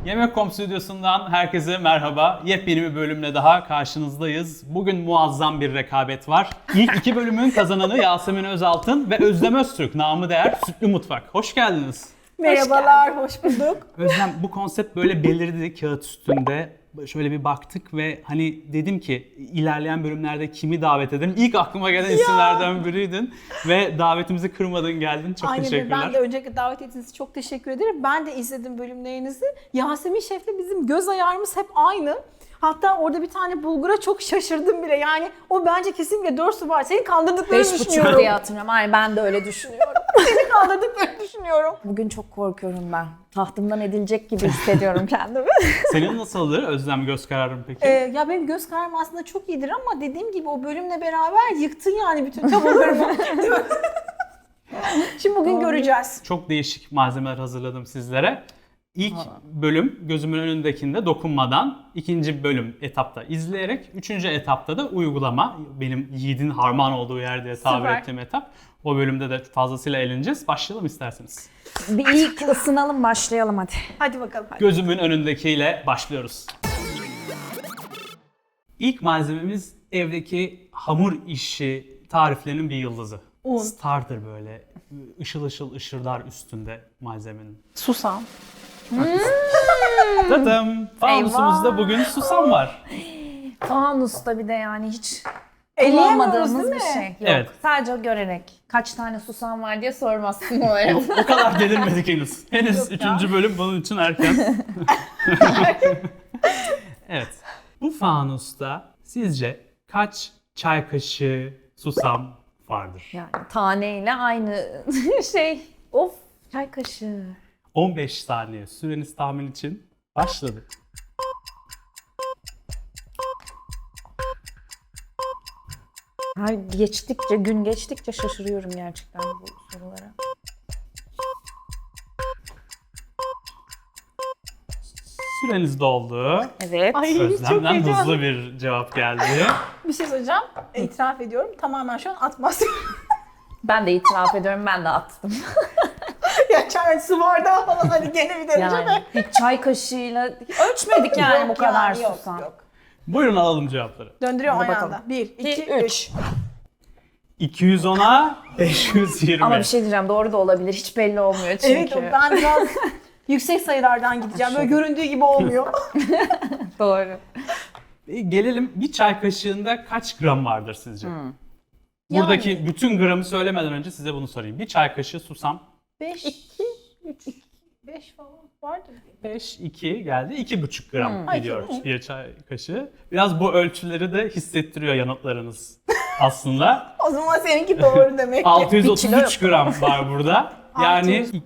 Yemek.com stüdyosundan herkese merhaba. Yepyeni bir bölümle daha karşınızdayız. Bugün muazzam bir rekabet var. İlk iki bölümün kazananı Yasemin Özaltın ve Özlem Öztürk, namı değer Sütlü Mutfak. Hoş geldiniz. Merhabalar, hoş bulduk. Özlem, bu konsept böyle belirdi kağıt üstünde. Şöyle bir baktık ve hani dedim ki ilerleyen bölümlerde kimi davet edelim? İlk aklıma gelen isimlerden biriydin ve davetimizi kırmadın, geldin. Çok Aynen, teşekkürler. ben de öncelikle davet ettiğiniz için çok teşekkür ederim. Ben de izledim bölümlerinizi. Yasemin Şef'le bizim göz ayarımız hep aynı. Hatta orada bir tane bulgura çok şaşırdım bile. Yani o bence kesinlikle 4 su var. Seni kandırdıklarını 5,5 düşünüyorum. diye hatırlıyorum. Aynen, ben de öyle düşünüyorum. Seni kandırdıklarını düşünüyorum. Bugün çok korkuyorum ben. Tahtımdan edilecek gibi hissediyorum kendimi. Senin nasıldır Özlem, göz kararın peki? Ya benim göz kararım aslında çok iyidir ama dediğim gibi o bölümle beraber yıktın yani bütün tabularımı. Şimdi bugün göreceğiz. Çok değişik malzemeler hazırladım sizlere. İlk bölüm gözümün önündekinde dokunmadan, ikinci bölüm etapta izleyerek, üçüncü etapta da uygulama. Benim yiğidin harman olduğu yer diye tabir Süper. ettiğim etap. O bölümde de fazlasıyla eğleneceğiz. Başlayalım isterseniz. Bir ilk ısınalım, başlayalım hadi. Hadi bakalım. Gözümün önündekiyle başlıyoruz. İlk malzememiz evdeki hamur işi tariflerinin bir yıldızı. Un. Starter böyle. Işıl ışıl ışırdar üstünde malzemenin. Susam. Tadım! Fanusumuzda bugün susam var. Fanusta bir de yani hiç Eleyemiyoruz kullanmadığımız değil bir mi? şey. Yok. Evet. Sadece görerek. Kaç tane susam var diye sormazsın umarım. O kadar delirmedik henüz. Henüz Yok ya. 3. bölüm bunun için erken. Evet. Bu fanusta sizce kaç çay kaşığı susam vardır? Yani taneyle aynı şey. Of, çay kaşığı. 15 saniye süreniz tahmin için başladı. Her geçtikçe, gün geçtikçe şaşırıyorum gerçekten bu sorulara. Süreniz doldu. Evet. Ay çok Özlem'den heyecanlı. hızlı bir cevap geldi. Bir şey söyleyeceğim. İtiraf ediyorum. Tamamen şu an atmaz. Ben de itiraf ediyorum, ben de attım. ya çay su bardağı falan hani gene bir derece Yani de. bir çay kaşığıyla ölçmedik yani Yok bu kadar yani, yok, susam. yok. Buyurun alalım cevapları. Döndürüyorum Hadi aynı bakalım. anda. 1, 2, 2, 3. 210'a 520. Ama bir şey diyeceğim, doğru da olabilir. Hiç belli olmuyor çünkü. Evet, ben biraz yüksek sayılardan gideceğim. Böyle göründüğü gibi olmuyor. Doğru. Gelelim, bir çay kaşığında kaç gram vardır sizce? Buradaki bütün gramı söylemeden önce size bunu sorayım. Bir çay kaşığı susam 5, 2, 3, 5 falan vardır. 5, 2 geldi. 2,5 gram Ay, gidiyor çok. bir çay kaşığı. Biraz bu ölçüleri de hissettiriyor yanıtlarınız aslında. O zaman seninki doğru demek ki. 633 gram var burada. Yani 600.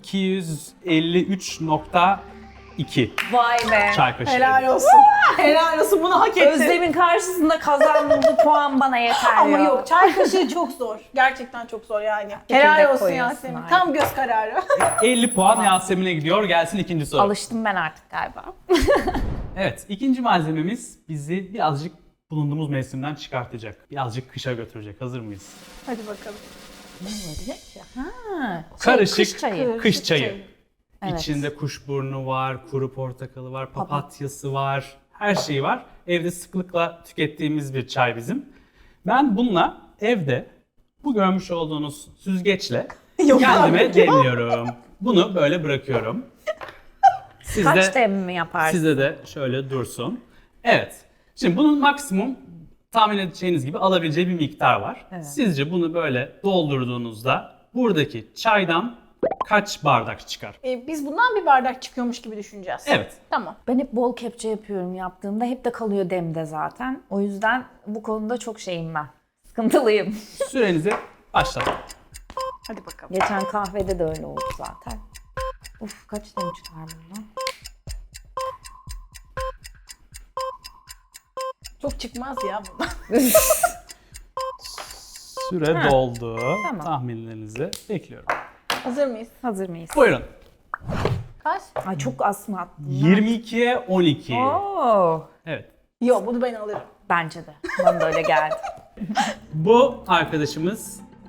250,3.2 Vay be. çay kaşığı. Helal olsun. Helal olsun, bunu hak ettin. Özlem'in karşısında kazandığım bu puan bana yeter Ama ya. yok, çay kaşığı çok zor. Gerçekten çok zor yani. Çekirdek Helal olsun koyuyorsun, Yasemin. aynen. Tam göz kararı. 50 puan Yasemin'e gidiyor. Gelsin ikinci soru. Alıştım ben artık galiba. Evet, ikinci malzememiz bizi birazcık bulunduğumuz mevsimden çıkartacak. Birazcık kışa götürecek. Hazır mıyız? Hadi bakalım. Ha, Karışık kış çayı. kış çayı. Evet. İçinde kuşburnu var, kuru portakalı var, papatyası var, her şeyi var. Evde sıklıkla tükettiğimiz bir çay bizim. Ben bununla evde bu görmüş olduğunuz süzgeçle Yok kendime abi. demliyorum. Bunu böyle bırakıyorum. Siz Kaç de, dem mi yaparsın? size de şöyle dursun. Evet. Şimdi bunun maksimum tahmin edeceğiniz gibi alabileceği bir miktar var. Evet. Sizce bunu böyle doldurduğunuzda buradaki çaydan kaç bardak çıkar? Biz bundan bir bardak çıkıyormuş gibi düşüneceğiz. Evet. Tamam. Ben hep bol kepçe yapıyorum yaptığımda. Hep de kalıyor demde zaten. O yüzden bu konuda çok şeyim ben. Sıkıntılıyım. Sürenizi başlatın. Hadi bakalım. Geçen kahvede de öyle oldu zaten. Uf, kaç dem çıkar bundan? Çok çıkmaz ya bundan. Süre doldu. Tamam. Tahminlerinizi bekliyorum. Hazır mıyız? Hazır mıyız? Buyurun. Kaç? Ay çok az mı attın? 22'ye 12. Oo, Evet. Yok, bunu ben alırım. bence de. Bana da öyle geldi. Bu arkadaşımız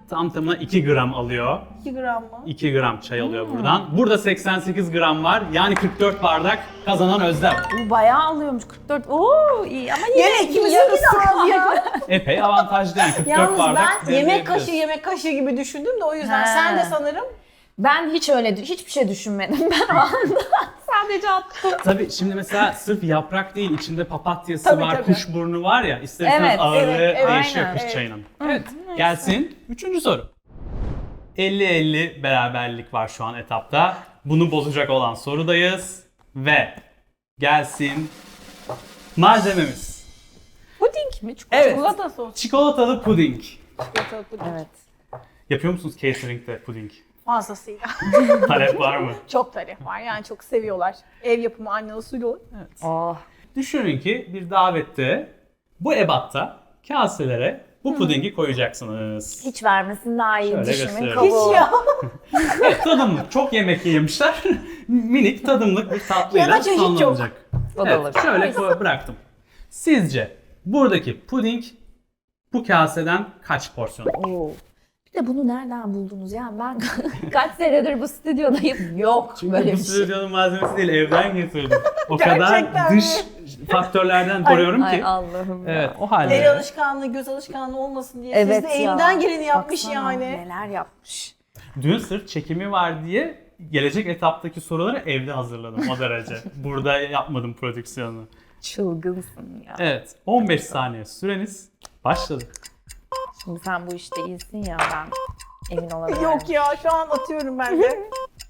tam tamına 2 gram alıyor. 2 gram mı? 2 gram çay alıyor buradan. Burada 88 gram var. Yani 44 bardak kazanan Özlem. Bu bayağı alıyormuş 44. Oo iyi ama yine Yine ikimizin yarısı de az ya. Epey avantajlı yani 44 Yalnız bardak. ben yemek diyebiliriz. yemek kaşığı gibi düşündüm de o yüzden He. sen de sanırım. Ben hiç öyle hiçbir şey düşünmedim ben o anda. Sadece attım. Tabii şimdi mesela sırf yaprak değil, içinde papatyası Tabii, var, tabii. kuşburnu var ya, isterseniz Evet, ağırlığı evet, değişiyor aynen, kış evet. çayının. Evet, gelsin 3. soru. 50-50 beraberlik var şu an etapta. Bunu bozacak olan sorudayız. Ve gelsin malzememiz. Puding mi? Evet. Çikolata sos. Çikolatalı puding. Çikolatalı puding. Evet. Yapıyor musunuz catering'de puding? Fazlasıyla. Talep var mı? Çok talep var yani çok seviyorlar. Ev yapımı anne usulü. Oh. Düşünün ki bir davette bu ebatta kaselere bu pudingi koyacaksınız. Hiç vermesin daha iyi Şöyle düşümün gösterelim. kabuğu. Hiç ya. Evet, tadımlık. Çok yemek yemişler. Minik tadımlık bir tatlıyla Ya da çeşit yok. sonlanacak. O da Evet, olur. şöyle bıraktım. Sizce buradaki puding bu kaseden kaç porsiyon? Oo. Bir de bunu nereden buldunuz ya? Ben kaç senedir bu stüdyodayım. Yok böyle Bu bir şey. stüdyonun malzemesi değil, evden getirdim. O kadar Gerçekten dış faktörlerden koruyorum Ay ki. Allah'ım ya. Evet, o El halde. alışkanlığı, göz alışkanlığı olmasın diye. Evet Siz de ya. elinden geleni yapmış Baksana, yani. Neler yapmış. Dün sırf çekimi var diye gelecek etaptaki soruları evde hazırladım o derece. Burada yapmadım prodüksiyonu. Çılgınsın ya. Evet, 15 saniye süreniz başladı. Şimdi sen bu işte iyisin ya ben emin olamıyorum. Yok ya şu an atıyorum ben de.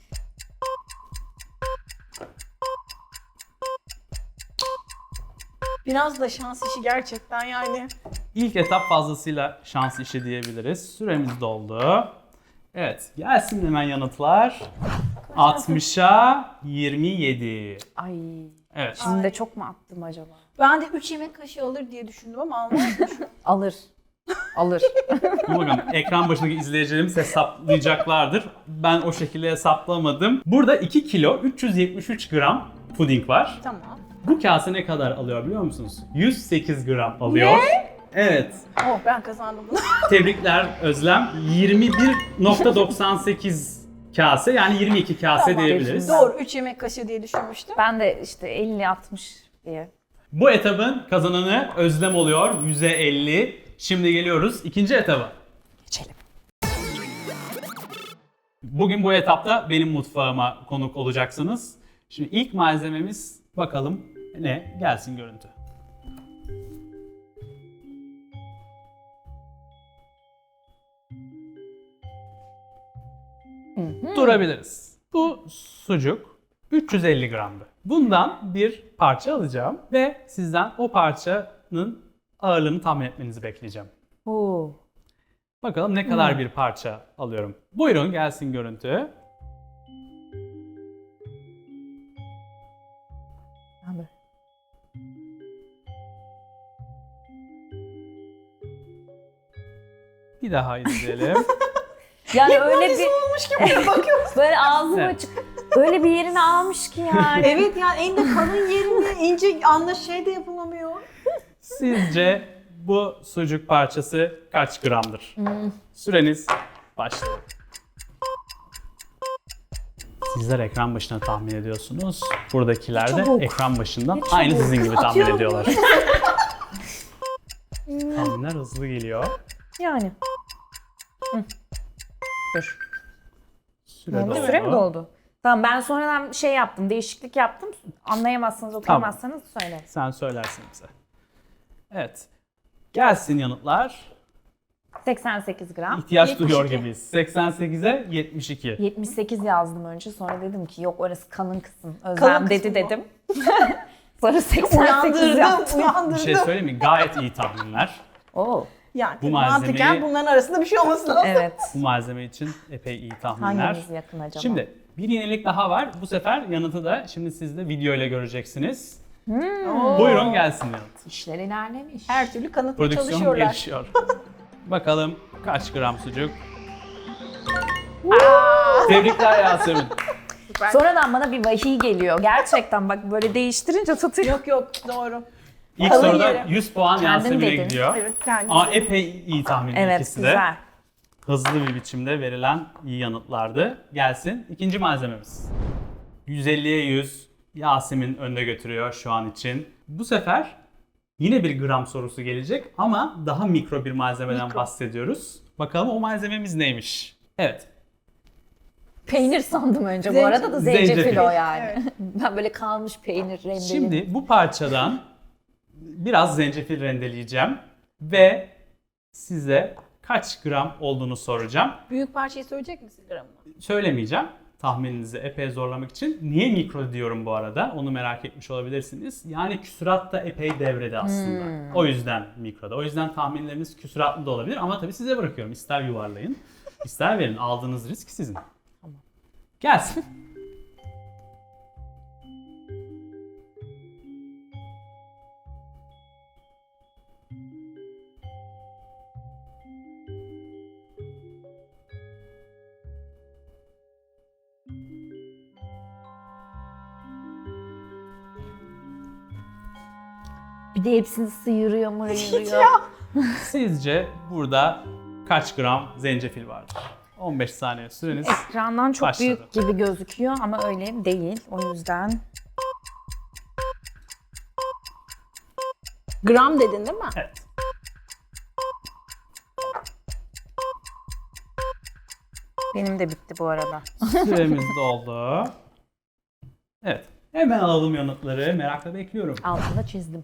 Biraz da şans işi gerçekten yani. İlk etap fazlasıyla şans işi diyebiliriz. Süremiz doldu. Evet, gelsin hemen yanıtlar. 60'a 27. Ay. Evet. Şimdi de çok mu attım acaba? Ben de 3 yemek kaşığı alır diye düşündüm ama almadım. Alır. Alır. Bakalım ekran başındaki izleyicilerimiz hesaplayacaklardır. Ben o şekilde hesaplamadım. Burada 2 kilo 373 gram puding var. Tamam. Bu kase ne kadar alıyor biliyor musunuz? 108 gram alıyor. Ne? Evet. Oh ben kazandım bunu. Tebrikler Özlem. 21.98 kase, yani 22 kase Tamam. diyebiliriz. Doğru 3 yemek kaşığı diye düşünmüştüm. Ben de işte 50-60 diye. Bu etabın kazananı Özlem oluyor. 100'e 50. Şimdi geliyoruz ikinci etaba. Geçelim. Bugün bu etapta benim mutfağıma konuk olacaksınız. Şimdi ilk malzememiz bakalım ne? Gelsin görüntü. Durabiliriz. Bu sucuk 350 gramdı. Bundan bir parça alacağım ve sizden o parçanın ağırlığını tahmin etmenizi bekleyeceğim. Oo. Bakalım ne kadar bir parça alıyorum. Buyurun gelsin görüntü. Abi. Bir daha izleyelim. Yani öyle bir olmuş gibi bakıyorum. böyle ağzım Evet. açık. Öyle bir yerini almış ki yani. Evet yani en de kalın yerinde ince şey de yapılamıyor. Sizce bu sucuk parçası kaç gramdır? Süreniz başlıyor. Sizler ekran başına tahmin ediyorsunuz. Buradakiler de Çabuk. ekran başından Ne aynı çabuk. sizin gibi tahmin Atıyorum. ediyorlar. Tahminler hızlı geliyor. Yani. Hı. Dur. Süre doldu. Süre mi doldu? Tamam ben sonradan şey yaptım, değişiklik yaptım. Anlayamazsanız, okuyamazsanız söylerim. Sen söylersin bize. Evet. Gelsin yanıtlar. 88 gram. İhtiyaç 72. duyuyor gibiyiz. 88'e 72. 78 yazdım önce. Sonra dedim ki yok orası kalın kısım. Kalın Özlem kısmı dedi bu. dedim. Sonra 88 yaptım. Bir Uyandırdım. şey söyleyeyim mi? Gayet iyi tahminler. Oo. Yani Bu mantıken bunların arasında bir şey olması lazım. Evet. Bu malzeme için epey iyi tahminler. Hangimiz yakın acaba? Şimdi bir yenilik daha var. Bu sefer yanıtı da şimdi siz de video ile göreceksiniz. Buyurun gelsin yanıt. İşler ilerlemiş. Her türlü kanıtla Prodüksiyon çalışıyorlar. gelişiyor. Bakalım kaç gram sucuk? Tebrikler Yasemin. Sonradan bana bir vahiy geliyor. Gerçekten bak böyle değiştirince tutuyor. Yok yok doğru. İlk Kalın soruda yeri. 100 puan Kendin Yasemin'e dedin. gidiyor. Evet kendim. Ama epey iyi tahmin Evet ikisi de. güzel. hızlı bir biçimde verilen iyi yanıtlardı. Gelsin ikinci malzememiz. 150'ye 100 Yasemin önde götürüyor şu an için. Bu sefer yine bir gram sorusu gelecek ama daha mikro bir malzemeden bahsediyoruz. Bakalım o malzememiz neymiş? Evet. Peynir sandım önce bu Zencefil. arada da zencefil Zencefil. o yani. Ben böyle kalmış peynir rendeli. Şimdi bu parçadan biraz zencefil rendeleyeceğim ve size kaç gram olduğunu soracağım. Büyük parçayı söyleyecek misin gramını? Söylemeyeceğim tahmininizi epey zorlamak için. Niye mikro diyorum bu arada? Onu merak etmiş olabilirsiniz. Yani küsurat da epey devrede aslında. O yüzden mikroda. O yüzden tahminleriniz küsuratlı da olabilir ama tabii size bırakıyorum. İster yuvarlayın, ister verin. Aldığınız risk sizin. Gelsin. Bir de hepsini sıyırıyor mıyırıyor. Sizce burada kaç gram zencefil vardır? 15 saniye süreniz. Ekrandan çok Başladı. büyük gibi gözüküyor ama öyle değil. O yüzden Gram dedin değil mi? Evet. benim de bitti bu arada. Süremiz doldu. Evet. Hemen alalım yanıtları. Merakla bekliyorum. Altında çizdim.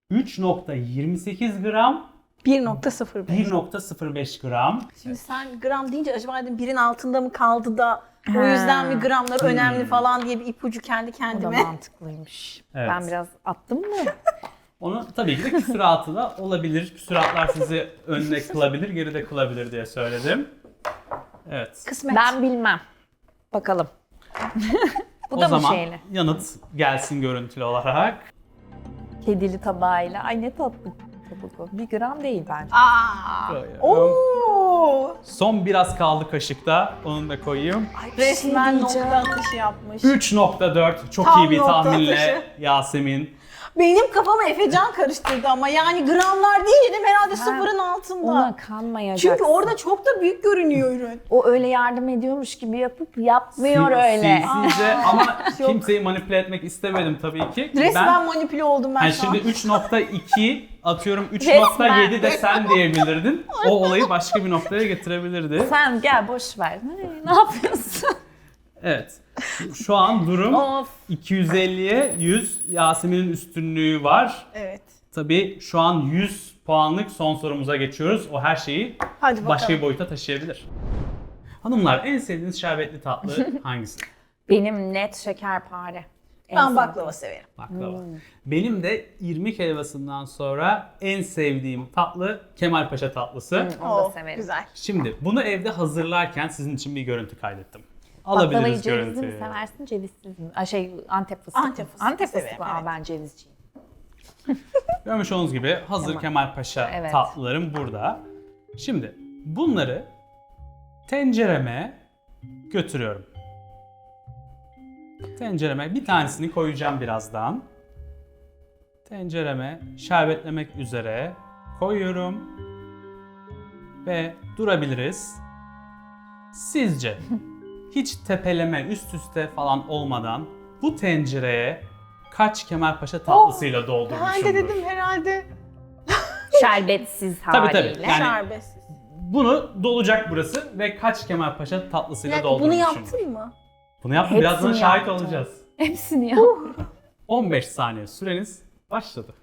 3.28 gram, 1.05. 1.05 gram. Şimdi sen gram deyince acaba dedim birin altında mı kaldı da o Ha. yüzden mi gramlar önemli falan diye bir ipucu kendi O da kendime. mantıklıymış. Evet. Ben biraz attım mı? Onu tabii ki de küsuratı da olabilir. Küsuratlar sizi önde kılabilir, geride kılabilir diye söyledim. Evet. Kısmet. Ben bilmem. Bakalım. Bu O da mı zaman şeyle? yanıt gelsin görüntülü olarak. Kedili tabağıyla. Ay ne tatlı kabuk o. 1 gram değil bence. Aa. Koyuyorum. Oo. Son biraz kaldı kaşıkta. Onu da koyayım. Resmen diyeceğim. nokta atışı yapmış. 3.4 çok Tam iyi bir nokta tahminle atışı. Yasemin. Benim kafamı Efecan karıştırdı ama yani gramlar deyince dedim herhalde sıfırın altında. Ona kanmayacaksın. Çünkü orada çok da büyük görünüyor ürün. O öyle yardım ediyormuş gibi yapıp yapmıyor öyle. Sizce ama Yok. kimseyi manipüle etmek istemedim tabii ki. Resmen manipüle oldum ben Yani şu an. şimdi 3.2 atıyorum 3.7 de sen diyebilirdin. O olayı başka bir noktaya getirebilirdi. Sen gel boş ver. Ne yapıyorsun? Evet. Şu an durum Of. 250'ye 100. Yasemin'in üstünlüğü var. Evet. Tabii şu an 100 puanlık son sorumuza geçiyoruz. O her şeyi Hadi bakalım. başka bir boyuta taşıyabilir. Hanımlar en sevdiğiniz şerbetli tatlı hangisi? Benim net şekerpare. En Ben sevdiğim. baklava severim. Baklava. Benim de irmik helvasından sonra en sevdiğim tatlı Kemalpaşa tatlısı. Onu da severim. Güzel. Şimdi bunu evde hazırlarken sizin için bir görüntü kaydettim. Baklavayı Alabiliriz cevizli mi görüntüyü. seversin, cevizsiz mi? Antep fıstıklı. Antep fıstıklı Antep severim, fıstıklı. Aa, evet. ben cevizciyim. Görmüş olduğunuz gibi hazır Kemalpaşa Evet. tatlılarım burada. Şimdi bunları tencereme götürüyorum. Tencereme bir tanesini koyacağım birazdan. Tencereme şerbetlemek üzere koyuyorum. Ve durabiliriz. Sizce hiç tepeleme üst üste falan olmadan bu tencereye kaç Kemalpaşa tatlısıyla doldurmuşumdur? Ben de dedim herhalde Şerbetsiz Tabii, haliyle. tabii. Yani- şerbetsiz. Bunu dolacak burası ve kaç Kemalpaşa Bir tatlısıyla dakika, bunu doldurmuşumdur? yaptın mı? Bunu yaptım. Hepsini Birazdan şahit yaptım. olacağız. Hepsini yap. 15 saniye süreniz başladı.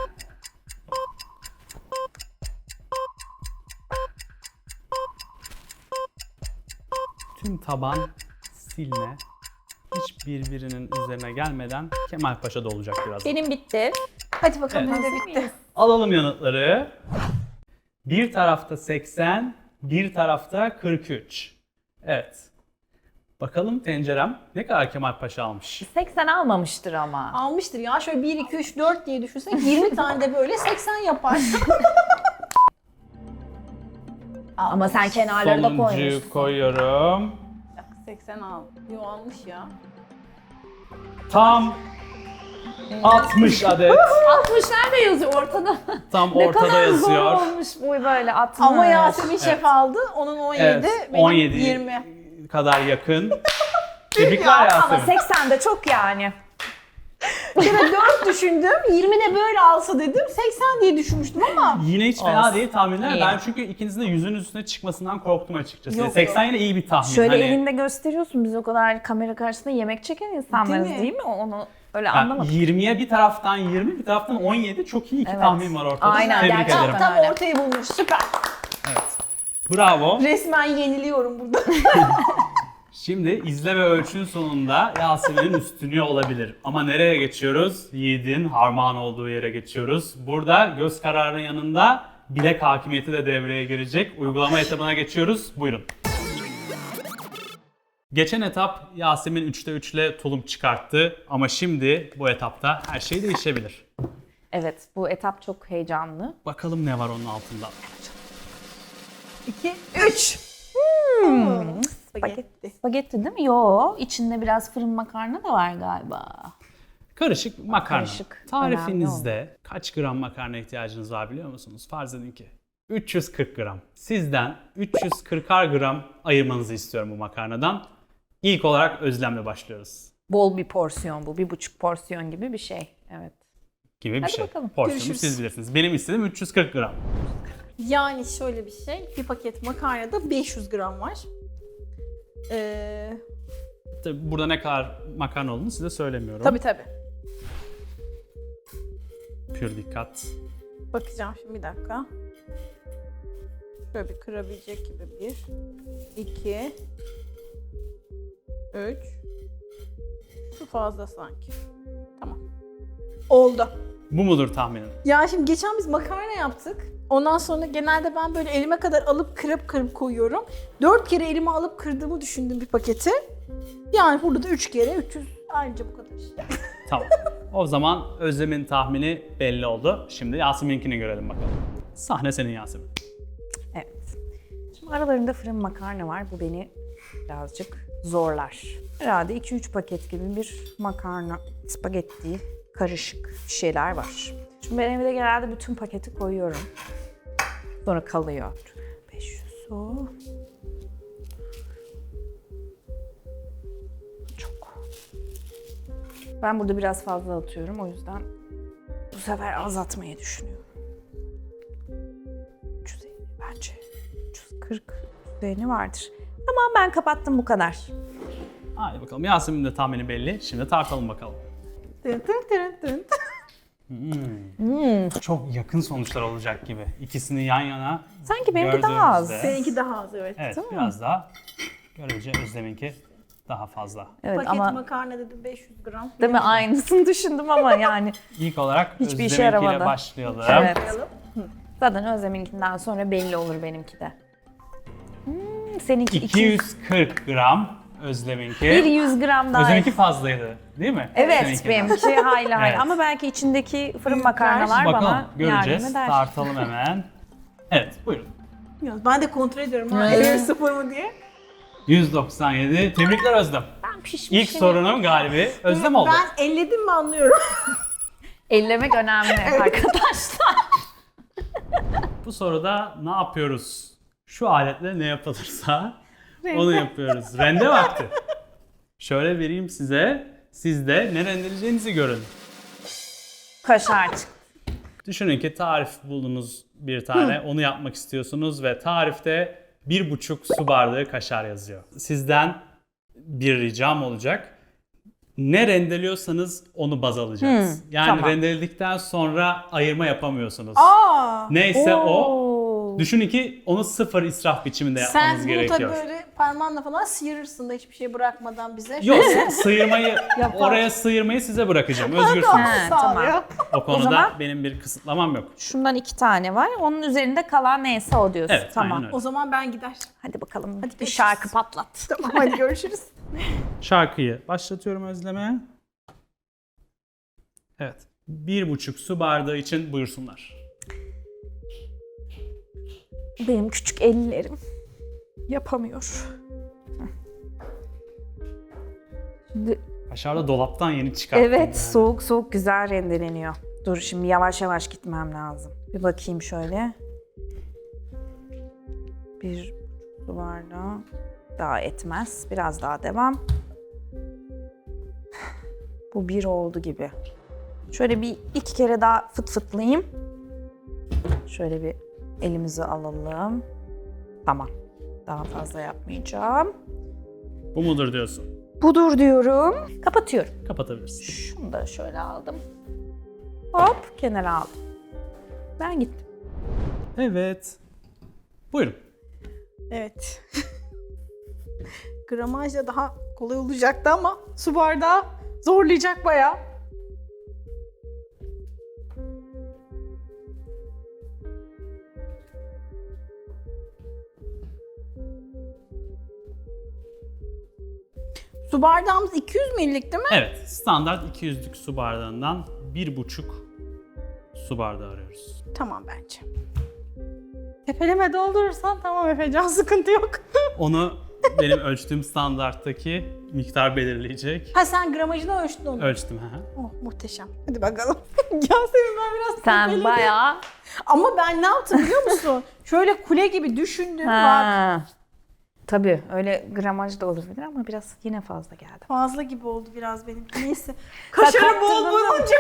Tüm taban silme hiç birbirinin üzerine gelmeden Kemalpaşa dolacak birazdan. Benim bitti. Hadi bakalım Evet. ne de bitti. Alalım yanıtları. Bir tarafta 80, bir tarafta 43. Evet. Bakalım tencerem ne kadar Kemalpaşa almış. 80 almamıştır ama. Almıştır ya şöyle 1, 2, 3, 4 diye düşünsek 20 tane de böyle 80 yapar. Ama sen kenarları da Sonuncuyu koymuşsun. koyuyorum. 80 al. Yo almış ya. Tam 60 adet 60 nerede yazıyor ortada? tam Ne ortada kadar yazıyor. zor olmuş bu böyle 60. Ama Yasemin Şef aldı. Onun 17, Evet, benim 17 20. kadar yakın. Tebrikler Ama Yasemin. 80 de çok yani. Bir kere 4 düşündüm. 20 de böyle alsa dedim. 80 diye düşünmüştüm ama. Yine hiç fena Olsun. değil tahminler. İyi. Ben çünkü ikinizin de yüzün üstüne çıkmasından korktum açıkçası. Yok, 80 yine iyi bir tahmin. Şöyle Hani, elinde gösteriyorsun. Biz o kadar kamera karşısında yemek çeken insanlarız Değil mi? değil mi? Onu öyle yani anlamadım. 20'ye bir taraftan 20, bir taraftan 17 çok iyi iki Evet. tahmin var ortada. Aynen, Tebrik gerçekten. ederim. Tam öyle. ortayı bulmuş. Süper. Bravo. Resmen yeniliyorum burada. Şimdi izle ve ölçün sonunda Yasemin'in üstünlüğü olabilir. Ama nereye geçiyoruz? Yiğit'in harman olduğu yere geçiyoruz. Burada göz kararının yanında bilek hakimiyeti de devreye girecek. Uygulama etabına geçiyoruz. Buyurun. Geçen etap Yasemin 3'te 3 ile tulum çıkarttı. Ama şimdi bu etapta her şey değişebilir. Evet, bu etap çok heyecanlı. Bakalım ne var onun altında. 2, 3. Spagetti. Spagetti değil mi? Yo, içinde biraz fırın makarna da var galiba. Karışık makarna. Karışık, Tarifinizde kaç gram makarna ihtiyacınız var biliyor musunuz? Farz edin ki 340 gram. Sizden 340'ar gram ayırmanızı istiyorum bu makarnadan. İlk olarak Özlem'le başlıyoruz. Bol bir porsiyon bu. 1,5 porsiyon gibi bir şey. Evet. Gibi bir Hadi şey. bakalım. Porsiyonu Görüşürüz. siz bilirsiniz. Benim istediğim 340 gram. Yani şöyle bir şey. Bir paket makarnada 500 gram var. Tabii burada ne kadar makarna olduğunu size söylemiyorum. Tabii. Pür dikkat. Bakacağım şimdi bir dakika. Şöyle bir kırabilecek gibi 1, 2, 3. Şu fazla sanki. Tamam. Oldu. Bu mudur tahminin? Ya şimdi geçen biz makarna yaptık. Ondan sonra genelde ben böyle elime kadar alıp kırıp koyuyorum. 4 kere elime alıp kırdığımı düşündüm bir paketi. Yani burada da 3 kere 300 ayrıca bu kadar işte. Tamam. O zaman Özlem'in tahmini belli oldu. Şimdi Yasemin'inkini görelim bakalım. Sahne senin Yasemin. Evet. Şimdi aralarında fırın makarna var. Bu beni birazcık zorlar. Herhalde 2-3 paket gibi bir makarna, spagetti, karışık bir şeyler var. Şimdi ben evde genelde bütün paketi koyuyorum. Sonra kalıyor. 500 o. Çok. Ben burada biraz fazla atıyorum. O yüzden bu sefer azaltmayı düşünüyorum. 350 bence. 340 üzerine vardır. Tamam, ben kapattım, bu kadar. Hadi bakalım. Yasemin'in de tahmini belli. Şimdi tartalım bakalım. Tın tın tın tın. Çok yakın sonuçlar olacak gibi. İkisini yan yana Sanki benimki daha az. gördüğümüzde- Seninki daha az evet. Evet, Değil mi? biraz daha görece Özlem'inki daha fazla. Evet Paket ama makarna dedim 500 gram. değil mi, aynısını düşündüm ama yani İlk olarak Hiçbir işe Özlem'inkiyle yaramadı. başlayalım. evet. Koyalım. Zaten Özlem'inkinden sonra belli olur benimki de. Seninki 200. 240 gram Özlem'inki. Bir 100 gram daha. Özlem'inki fazlaydı değil mi? Evet, Seninkinden. benimki hayli Evet. ama belki içindeki fırın Büyükler. makarnalar Bakalım bana göreceğiz. yardım eder. Tartalım hemen. Evet buyurun. Ya ben de kontrol ediyorum ha. Evet. Evet. Sıfır mı diye. 197. Tebrikler Özlem. Ben pişmişim. İlk sorunun galibi Özlem oldu. Ben elledim mi anlıyorum. Ellemek önemli arkadaşlar. Bu soruda ne yapıyoruz? Şu aletle ne yapılırsa onu yapıyoruz. Rende vakti. Şöyle vereyim size. Siz de ne rendeleyeceğinizi görün. Kaşar çıktı. Düşünün ki tarif buldunuz bir tane. Onu yapmak istiyorsunuz ve tarifte 1,5 su bardağı kaşar yazıyor. Sizden bir ricam olacak. Ne rendeliyorsanız onu baz alacağız. Yani tamam. rendeledikten sonra ayırma yapamıyorsunuz. Aa. Neyse o. Oo. Düşünün ki onu sıfır israf biçiminde yapmanız Sen bunu gerekiyor. tabii böyle parmağınla falan sıyırırsın da hiçbir şey bırakmadan bize. Yok sıyırmayı, Yapar. oraya sıyırmayı size bırakacağım. Özgürsünüz. He, tamam. O konuda zaman- benim bir kısıtlamam yok. Şundan 2 tane var. Onun üzerinde kalan neyse o diyorsun. Evet, tamam. aynen öyle. O zaman ben gider. Hadi bakalım. Hadi bir görüşürüz. şarkı patlat. Tamam hadi görüşürüz. Şarkıyı başlatıyorum Özlem'e. Evet. 1,5 su bardağı için buyursunlar. Benim küçük ellerim yapamıyor. Şimdi Kaşar da dolaptan yeni çıkarttım. Evet, yani. soğuk soğuk güzel rendeleniyor. Dur şimdi yavaş yavaş gitmem lazım. Bir bakayım şöyle. Bir su bardağı daha etmez. Biraz daha devam. Bu bir oldu gibi. Şöyle bir iki kere daha fıt fıtlayayım. Şöyle bir elimizi alalım. Tamam. Daha fazla yapmayacağım. Bu mudur diyorsun? Budur diyorum. Kapatıyorum. Kapatabilirsin. Şunu da şöyle aldım. Hop kenara aldım. Ben gittim. Evet. Buyurun. Evet. Gramajla daha kolay olacaktı ama su bardağı zorlayacak bayağı. Su bardağımız 200 ml'lik değil mi? Evet, standart 200'lük su bardağından 1,5 su bardağı arıyoruz. Tamam bence. Tepeleme doldurursan tamam Efecan, sıkıntı yok. Onu benim ölçtüğüm standarttaki miktar belirleyecek. Ha sen gramajını ölçtün onu. Ölçtüm. Hı hı. Oh muhteşem. Hadi bakalım. Yasemin ben biraz Sen tepeledim. bayağı... Ama ben ne yaptım biliyor musun? Şöyle kule gibi düşündüm bak. Ha. Tabii öyle gramaj da olabilir ama biraz yine fazla geldi. Fazla gibi oldu biraz benim. Neyse. Kaşarı bol kaptırdın bulunca.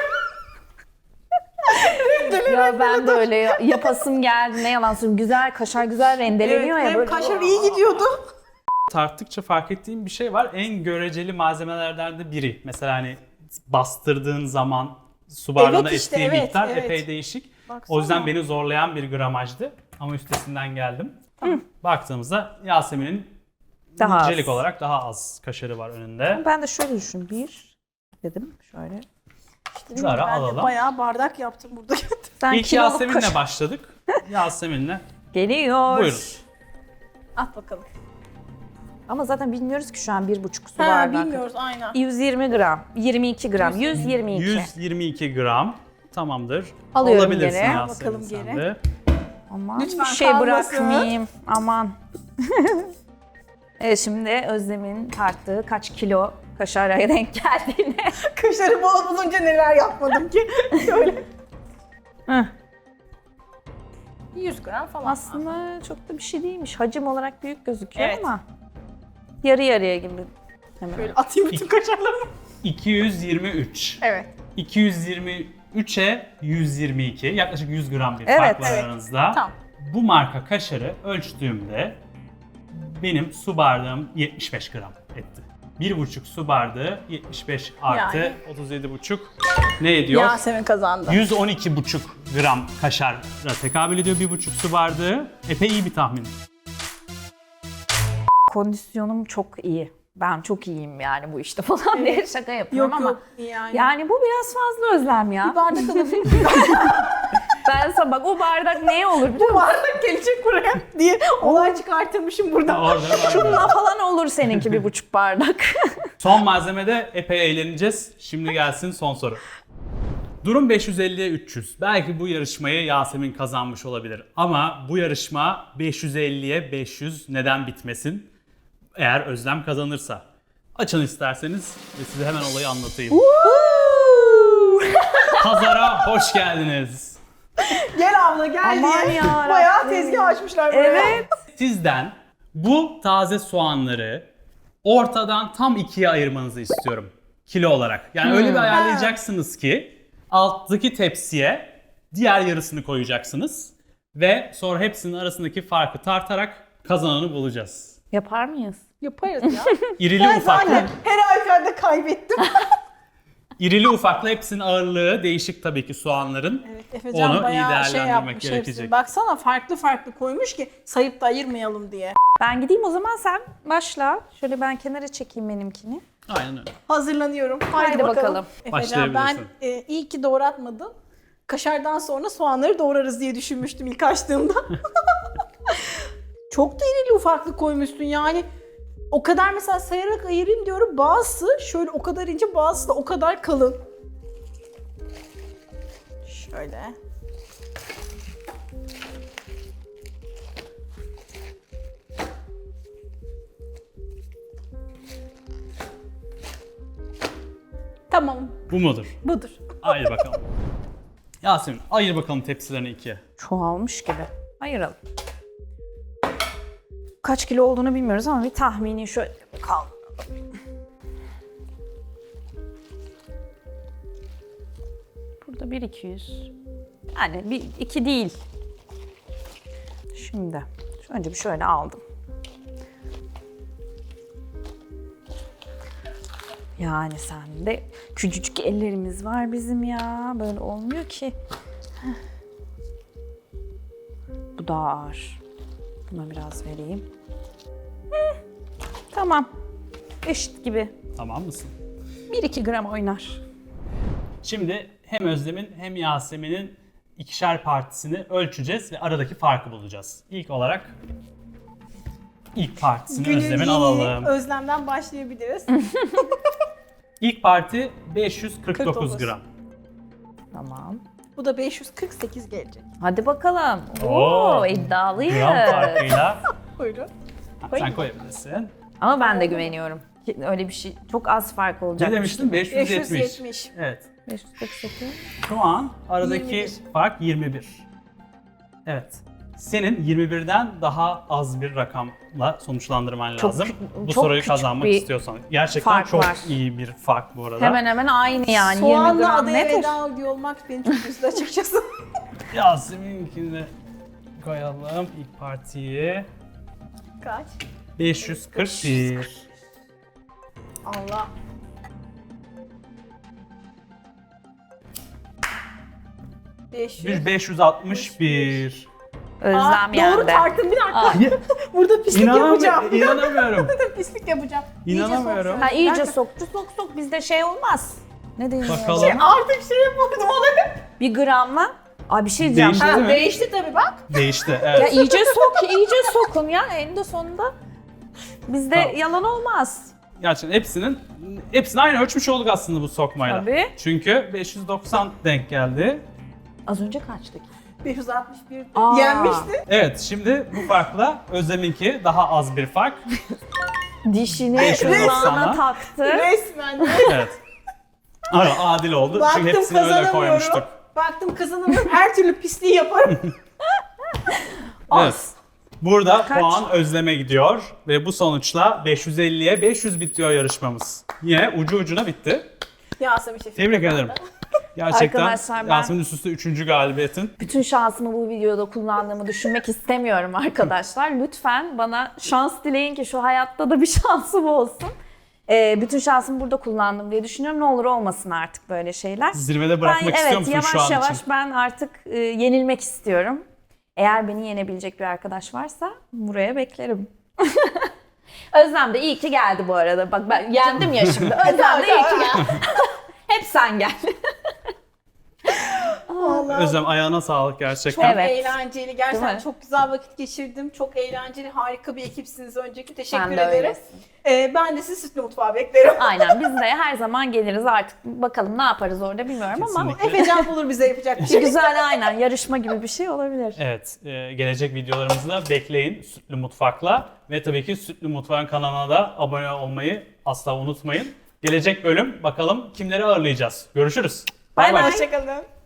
Ya ben de öyle yapasım geldi. Ne yalan söyleyeyim. Güzel kaşar güzel rendeleniyor ya hem böyle. kaşar iyi gidiyordu. Tarttıkça fark ettiğim bir şey var. En göreceli malzemelerden de biri. Mesela hani bastırdığın zaman su bardağına Evet işte, ettiği evet, miktar evet. epey değişik. Baksana. O yüzden beni zorlayan bir gramajdı. Ama üstesinden geldim. Baktığımızda Yasemin'in Daha az. nicelik olarak daha az kaşarı var önünde. Ben de şöyle düşün. Bir dedim şöyle. Zara Ben de alalım. bayağı bardak yaptım burada. Sen İlk kiloluk Yasemin'le kaşar- başladık. Yasemin'le Geliyor. buyurun. At bakalım. Ama zaten bilmiyoruz ki şu an 1,5 su Ha bardağı. bilmiyoruz aynen. 120 gram, 22 gram, 122. 122 gram. Tamamdır. Alıyorum Alabilirsin geri. Yasemin Bakalım sen geri. de. Aman Lütfen bir şey kalmasın. bırakmayayım. Aman. Evet şimdi Özlem'in tarttığı kaç kilo kaşara denk geldiğine. Kaşarı bol bulunca neler yapmadım ki. Şöyle. Heh. 100 gram falan. Aslında çok da bir şey değilmiş. Hacim olarak büyük gözüküyor Evet. ama yarı yarıya gibi. Hemen. Böyle atayım bütün kaşarlarımı. 223. Evet. 223'e 122. Yaklaşık 100 gram bir Evet, fark var evet. aranızda. Tamam. Bu marka kaşarı ölçtüğümde benim su bardağım 75 gram etti. 1,5 su bardağı 75 artı Yani. 37,5 ne ediyor? Yasemin kazandı. 112,5 gram kaşara tekabül ediyor 1,5 su bardağı. Epey iyi bir tahmin. Kondisyonum çok iyi. Ben çok iyiyim yani bu işte falan diye şaka yapıyorum Yok ama. yok yani. Yani bu biraz fazla Özlem ya. Bir bardak alabilir miyim? Ben sana bak o bardak ne olur biliyor Bu musun? bardak gelecek buraya diye olay çıkartırmışım burada. Orada Şunla falan olur seninki 1,5 bardak. son malzemede epey eğleneceğiz. Şimdi gelsin son soru. Durum 550'ye 300. Belki bu yarışmayı Yasemin kazanmış olabilir. Ama bu yarışma 550'ye 500 neden bitmesin? Eğer Özlem kazanırsa. Açın isterseniz ve size hemen olayı anlatayım. Pazara hoş geldiniz. Gel abla gel Aman diye. yarabbim. Bayağı tezgah açmışlar buraya. Evet. Sizden bu taze soğanları ortadan tam ikiye ayırmanızı istiyorum. Kilo olarak. Yani öyle bir ayarlayacaksınız ki alttaki tepsiye diğer yarısını koyacaksınız. Ve sonra hepsinin arasındaki farkı tartarak kazananı bulacağız. Yapar mıyız? Yaparız ya. İrili Ben ufaklı, zaten her halükarda kaybettim. irili ufaklı hepsinin ağırlığı değişik tabii ki soğanların. Evet Efecan Onu iyi bayağı değerlendirmek yapmış gerekecek. hepsini. Baksana farklı farklı koymuş ki sayıp da ayırmayalım diye. Ben gideyim o zaman sen başla. Şöyle ben kenara çekeyim benimkini. Aynen öyle. Hazırlanıyorum. Haydi bakalım. Efecan ben Başlayabilirsin. iyi ki doğratmadım. Kaşardan sonra soğanları doğrarız diye düşünmüştüm ilk açtığımda. Çok da irili ufaklı koymuşsun yani. O kadar mesela sayarak ayırayım diyorum. Bazısı şöyle o kadar ince, bazısı da o kadar kalın. Şöyle. Tamam, Bu mudur? budur. Haydi bakalım. Yasemin ayır bakalım tepsilerini ikiye. Çoğalmış gibi. Ayıralım. Kaç kilo olduğunu bilmiyoruz ama bir tahmini şöyle kal. Burada 1-200. Yani 2 değil. Şimdi önce bir şöyle aldım. Yani sende küçücük ellerimiz var bizim ya. Böyle olmuyor ki. Bu daha ağır. Buna biraz vereyim. Tamam. Eşit gibi. Tamam mısın? 1-2 gram oynar. Şimdi hem Özlem'in hem Yasemin'in ikişer partisini ölçeceğiz ve aradaki farkı bulacağız. İlk olarak ilk partisini Günün Özlem'in yeni alalım. Özlem'den başlayabiliriz. İlk parti 549 49. gram. Tamam. Bu da 548 gelecek. Hadi bakalım. Oo, Oo, iddialıyız. Gram farkıyla Buyurun. sen koyabilirsin. Ama ben de güveniyorum. Öyle bir şey çok az fark olacak. Ne demiştin? 570. 570. Evet. 548. Şu an aradaki 21. fark 21. Evet. Senin 21'den daha az bir rakamla sonuçlandırman Çok lazım. kü- Bu çok soruyu küçük kazanmak bir istiyorsan. Gerçekten fark çok var. iyi bir fark bu arada. Hemen hemen aynı yani. 20 Soğanla gram adaya nedir? veda ediyor olmak beni çok üzdü açıkçası. Yasemin'inkini de koyalım ilk partiyi. Kaç? 541. Allah. Bir 561. Özlem Doğru yendi. tarttım bir dakika. Burada pislik yapacağım. İnanamıyorum. Burada pislik yapacağım. İnanamıyorum. İyice Ha iyice Nerede? soktu sok bizde şey olmaz. Ne deniyor? Bakalım. Artık şey yapamadım olayı. Bir gramla. Aa bir şey diyeceğim. Değişti. Değil mi? Değişti tabii bak. Değişti. Ya Evet. iyice sok, iyice sokun ya eninde sonunda. Bizde Tamam. yalan olmaz. Gerçekten hepsini aynı ölçmüş olduk aslında bu sokmayla. Tabii. Çünkü 590 denk geldi. Az önce kaçtık? 561 Aa. yenmişti. Evet, şimdi bu farkla Özlem'inki daha az bir fark. Dişini 590'a. kulağına taktı. Resmen. Evet. Ama adil oldu çünkü Baktım hepsini öyle kazanamıyorum. koymuştuk. Baktım kazanamıyorum. Her türlü pisliği yaparım. Evet. Burada Kaç? puan Özlem'e gidiyor ve bu sonuçla 550'ye 500 bitiyor yarışmamız. Yine ucu ucuna bitti. Yasemin Şefik. Tebrik ederim. Gerçekten Arkadaşlar ben- Yasemin üst üste 3. galibiyetin. Bütün şansımı bu videoda kullandığımı düşünmek istemiyorum arkadaşlar. Lütfen bana şans dileyin ki şu hayatta da bir şansım olsun. Bütün şansımı burada kullandım diye düşünüyorum. Ne olur olmasın artık böyle şeyler. Zirvede bırakmak istiyor evet, musun yavaş şu an yavaş için? ben artık yenilmek istiyorum. Eğer beni yenebilecek bir arkadaş varsa buraya beklerim. Özlem de iyi ki geldi bu arada. Bak ben yendim ya şimdi. Özlem de iyi ki geldi. Hep sen gel. Vallahi Özlem ayağına sağlık çok gerçekten. Evet. eğlenceli. Değil Gerçekten mi? çok güzel vakit geçirdim. Çok eğlenceli, harika bir ekipsiniz öncelikle. Teşekkür Sen de ederim. öylesin. Ben de sizi Sütlü Mutfağa beklerim. Aynen biz de her zaman geliriz artık. Bakalım ne yaparız orada bilmiyorum ama Kesinlikle. Efecan bulur bize yapacak bir bir şey. güzel aynen yarışma gibi bir şey olabilir. Evet, gelecek videolarımızı da bekleyin Sütlü Mutfak'la ve tabii ki Sütlü Mutfak'ın kanalına da abone olmayı asla unutmayın. Gelecek bölüm bakalım kimleri ağırlayacağız. Görüşürüz. Bay bay. Hoşçakalın.